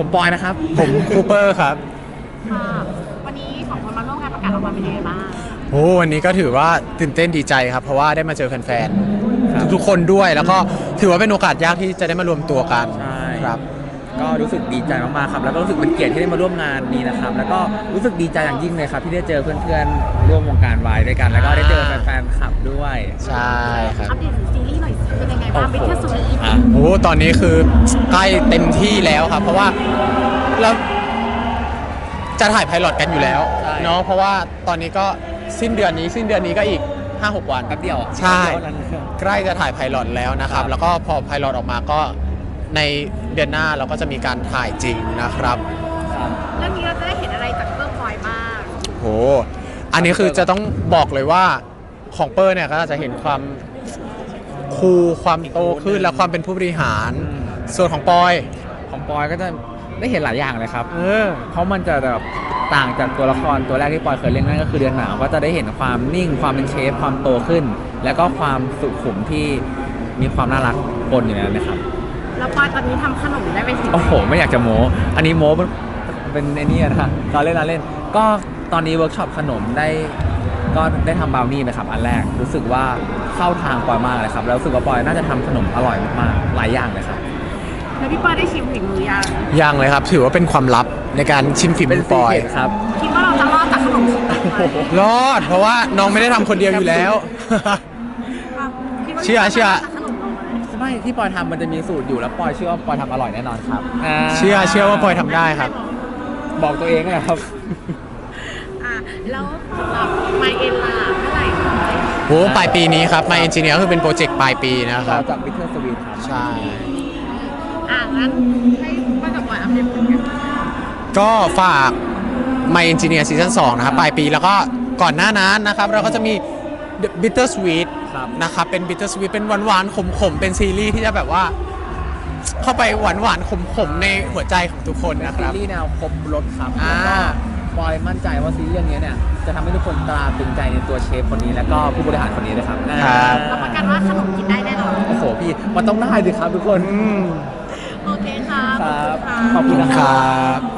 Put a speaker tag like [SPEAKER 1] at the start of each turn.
[SPEAKER 1] ปอยนะครับ
[SPEAKER 2] ผมคูเปอร์ครับ
[SPEAKER 3] ค่ะวันนี้สองคนมาร่วมงานประกาศรางวัลเป็นยังไงบ้าง
[SPEAKER 2] โอ้วันนี้ก็ถือว่าตื่นเต้นดีใจครับ เพราะว่าได้มาเจอแฟนๆทุกๆคนด้วย แล้วก็ถือว่าเป็นโอกาสยากที่จะได้มารวมตัวกัน
[SPEAKER 1] ใช่
[SPEAKER 2] ครับ
[SPEAKER 1] ก็รู้สึกดีใจมากๆครับแล้วก็รู้สึกเป็นเกียรติที่ได้มาร่วมงานนี้นะครับแล้วก็รู้สึกดีใจอย่างยิ่งเลยครับที่ได้เจอเพื่อนๆร่วมวงการวายด้วยกัน แล้วก็ได้เจอแฟนๆคลับด้วย
[SPEAKER 2] ใช่ครับ
[SPEAKER 3] อัปเดตถึงซีรีส์หน่อยสิเป็นยังไงบ้างเป็นแค่สุด
[SPEAKER 1] อ่ะ
[SPEAKER 2] โอ้ตอนนี้คือใกล้เต็มที่แล้วครับ เพราะว่าเราจะถ่ายไพลอตกันอยู่แล้วเนาะเพราะว่าตอนนี้ก็สิ้นเดือนนี้ก็อีก 5-6 วัน
[SPEAKER 1] แป๊บเดียว
[SPEAKER 2] ใช่
[SPEAKER 1] แป๊บเดียวเท่านั้น
[SPEAKER 2] ใกล้จะถ่ายไพลอตแล้วนะครับ
[SPEAKER 1] ครับ
[SPEAKER 2] แล้วก็พอไพลอตออกมาก็ในเดือนหน้าเราก็จะมีการถ่ายจริงนะครับ
[SPEAKER 1] ครับ
[SPEAKER 3] เรื่องนี้เราจะได้เห็นอะไรจากเพิ่มพลอยบ้าง
[SPEAKER 2] โหอันนี้คือจะต้องบอกเลยว่าของเปอร์เนี่ยก็จะเห็นความคูลความโตขึ้นและความเป็นผู้บริหาร ส่วนของปอย
[SPEAKER 1] ของปอยก็จะได้เห็นหลายอย่างเลยครับเพราะมันจะแบบต่างจากตัวละครตัวแรกที่ปอยเคยเล่นนั่นก็คือเดือนหนาวก็จะได้เห็นความนิ่งความเป็นเชฟความโตขึ้น แล้วก็ความสุขุมที่มีความน่ารักปนอยู่ในนั้นนะครับ
[SPEAKER 3] แล้วพลอยตอนนี้ทำขนมได้ไปถึงไหน
[SPEAKER 1] โอ้โหไม่อยากจะโม้อันนี้โม้เป็นไอ้นี่นะเราเล่นก็ตอนนี้เวิร์กช็อปขนมก็ได้ทำบราวนี่นะครับอันแรกรู้สึกว่าเข้าทางปอยมากเลยครับแล้วรู้สึกว่าปอยน่าจะทำขนมอร่อยมากๆหลายอย่างเลยครับ
[SPEAKER 3] แล้วพี่เปิ้ลได้ชิมฝีมือยัง
[SPEAKER 2] ยังเลยครับ ถือว่าเป็นความลับในการชิมฝีมือปอย
[SPEAKER 1] ครับ
[SPEAKER 3] คิดว่าเราจะรอดจากขนมชิ้นนี้ไหม
[SPEAKER 2] รอด เพราะว่าน้องไม่ได้ทำคนเดียวอยู่แล้ว
[SPEAKER 3] คิดว่า
[SPEAKER 2] เชื่อ
[SPEAKER 3] จะรดจากขนมเราไหม
[SPEAKER 1] ไม่ที่ปอยทำมันจะมีสูตรอยู่แล้วปอยเชื่อว่าปอยทำอร่อยแน่นอนครับ
[SPEAKER 2] เชื่อว่าปอยทำได้ครับ
[SPEAKER 1] บอกตัวเองนะครับ
[SPEAKER 3] อ่ะแล้วสำหรับไมเอ็นล่ะเมื่อไหร่คะ
[SPEAKER 2] โหปลายปีนี้ครับ My Engineer คือเป็นโปรเจกต์ปลายปีนะครับ
[SPEAKER 1] จากบิทเทอร์สวีทครับ
[SPEAKER 2] ใช่
[SPEAKER 3] งั้นให้ป้ากับปอยอัปเดตผลงาน
[SPEAKER 2] ก็ฝาก My Engineer ซีซั่น2นะครับปลายปีแล้วก็ก่อนหน้านั้นนะครับ เราก็จะมี The Bitter Sweet
[SPEAKER 1] ครับ
[SPEAKER 2] นะครับเป็น Bitter Sweet เป็นหวานๆขมๆ เป็นซีรีส์ที่จะแบบว่า เข้าไปหวานๆขมๆ ในหัวใจของทุกคนนะค
[SPEAKER 1] ซี
[SPEAKER 2] รับ
[SPEAKER 1] รีส์แนวครบรสครับ
[SPEAKER 2] อ่า
[SPEAKER 1] แล้วก็ปอยมั่นใจว่าซีรีส์เรื่องนี้เนี่ยจะทำให้ทุกคนตราตรึงใจในตัวเชฟคนนี้แล้วก็ผู้บริหารคนนี้นะครับ
[SPEAKER 3] รับประกันว่าขนมกินได้แน่นอน
[SPEAKER 1] โอ้โหพี่มันต้องได้ดิครับทุกคน
[SPEAKER 2] อืม
[SPEAKER 3] โอเคค่ะ
[SPEAKER 1] ครับ
[SPEAKER 3] ข
[SPEAKER 1] ข
[SPEAKER 3] อ
[SPEAKER 1] อ
[SPEAKER 3] บบ คุ
[SPEAKER 1] คุณ ณ
[SPEAKER 3] ค่ะ
[SPEAKER 1] นะ
[SPEAKER 2] ครับ